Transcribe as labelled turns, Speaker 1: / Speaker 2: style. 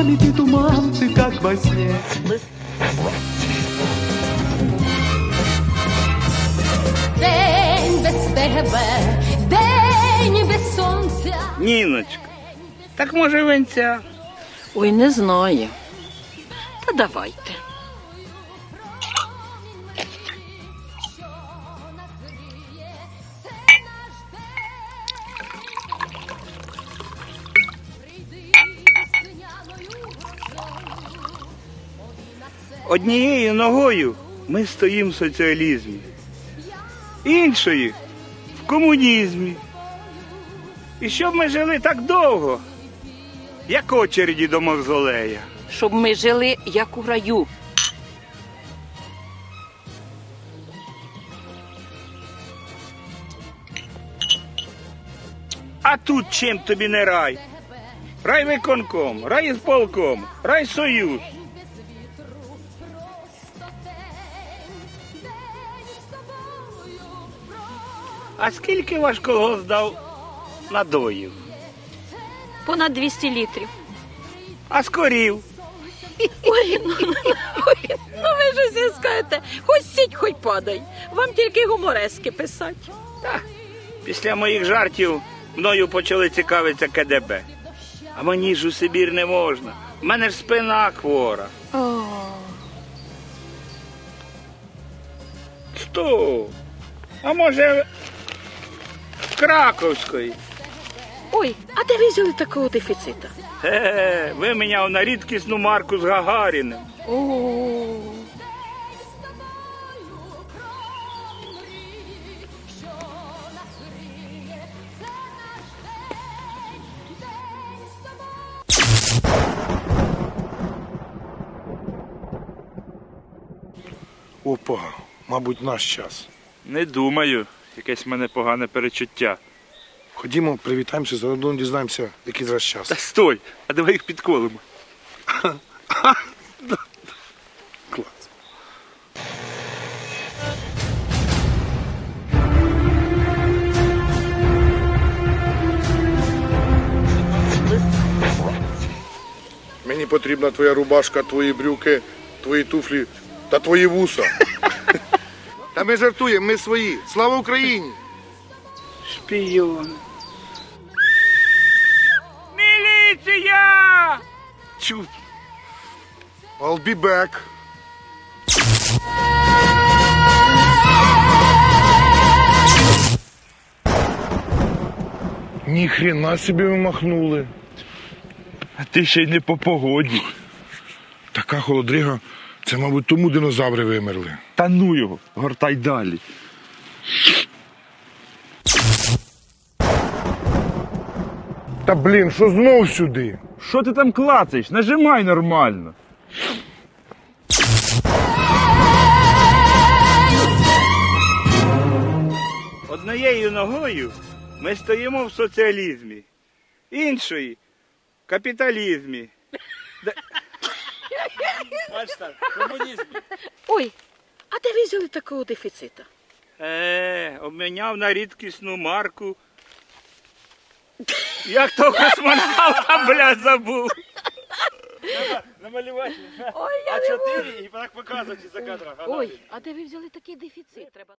Speaker 1: нами ты туман, ты как во сне.
Speaker 2: День без тебе, день без сонця.
Speaker 3: Ніночка, так може венця?
Speaker 4: Ой, не знаю. Та давайте.
Speaker 3: Однією ногою ми стоїмо в соціалізмі, іншою в комунізмі. І щоб ми жили так довго, як очереді до мавзолея.
Speaker 4: Щоб ми жили, як у раю.
Speaker 3: А тут чим тобі не рай? Райвиконком, райсполком, райсоюз. А скільки ваш колгосп дав надоїв?
Speaker 4: Понад 200 літрів.
Speaker 3: А з корів?
Speaker 4: Ой, ну ви ж усе скажете, хоч сіть, хоч падай. Вам тільки гуморески писати.
Speaker 3: Після моїх жартів мною почали цікавитися КДБ. А мені ж у Сибір не можна. У мене ж спина хвора. Стоп! А може в Краковської?
Speaker 4: Ой, а де ви взяли такого дефіцита?
Speaker 3: Виміняв на рідкісну марку з Гагаріним.
Speaker 4: О.
Speaker 5: Опа, мабуть, наш час.
Speaker 6: Не думаю. Якесь в мене погане перечуття.
Speaker 5: Ходімо, привітаємося, заодно дізнаємося, який зараз час.
Speaker 6: Та стой, а давай їх підколимо.
Speaker 5: Клас. Мені потрібна твоя рубашка, твої брюки, твої туфлі та твої вуса. Та ми жартуємо, ми свої. Слава Україні!
Speaker 3: Шпіон. Міліція! Чу.
Speaker 5: I'll be back. Ніхрена собі ви махнули.
Speaker 6: А ти ще й не по погоді.
Speaker 5: Така холодрига, це, мабуть, тому динозаври вимерли.
Speaker 6: Та ну його, гортай далі.
Speaker 5: Та блін, що знов сюди?
Speaker 6: Що ти там клацаєш? Нажимай нормально.
Speaker 3: Однією ногою ми стоїмо в соціалізмі, іншою в капіталізмі.
Speaker 4: Ой, а де ви взяли такого дефіцита?
Speaker 3: Обміняв на рідкісну марку. Як то космонавта, бля, забув.
Speaker 6: Намалювати
Speaker 4: Ой, я не можу.
Speaker 6: А4 і так показувати за кадром.
Speaker 4: Ой, а де ви взяли такий дефіцит? Треба